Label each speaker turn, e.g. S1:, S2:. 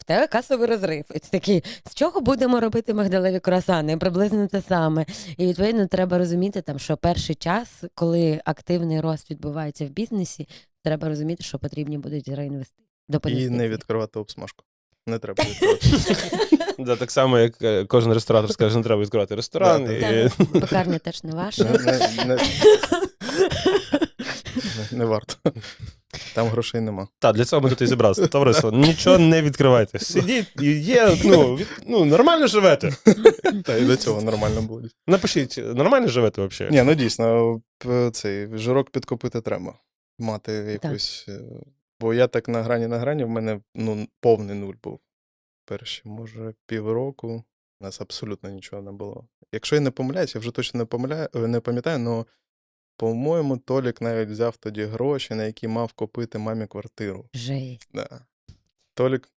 S1: тебе касовий розрив. І ти такий, з чого будемо робити мигдалеві круасани? Приблизно те саме. І, відповідно, треба розуміти, там, що перший час, коли активний рост відбувається в бізнесі, треба розуміти, що потрібні будуть реінвестиції.
S2: І не відкривати обсмажку. Не треба відкривати.
S3: Да, так само, як кожен ресторатор скаже, не треба відкривати ресторан.
S1: Пекарня теж не ваша.
S2: Не варто. Там грошей нема.
S3: Так, для цього ми тут і зібралися. Товариство, нічого не відкривайте. Сидіть, і є, нормально живете.
S2: Та і до цього нормально було.
S3: Напишіть, нормально живете взагалі?
S2: Ні, дійсно, цей жирок підкопити треба. Мати якусь... Бо я так на грані, в мене повний нуль був. Перші, може, півроку у нас абсолютно нічого не було. Якщо я не помиляюсь, я вже точно не пам'ятаю, але, по-моєму, Толік навіть взяв тоді гроші, на які мав купити мамі квартиру.
S1: Жесть.
S2: Да. Толік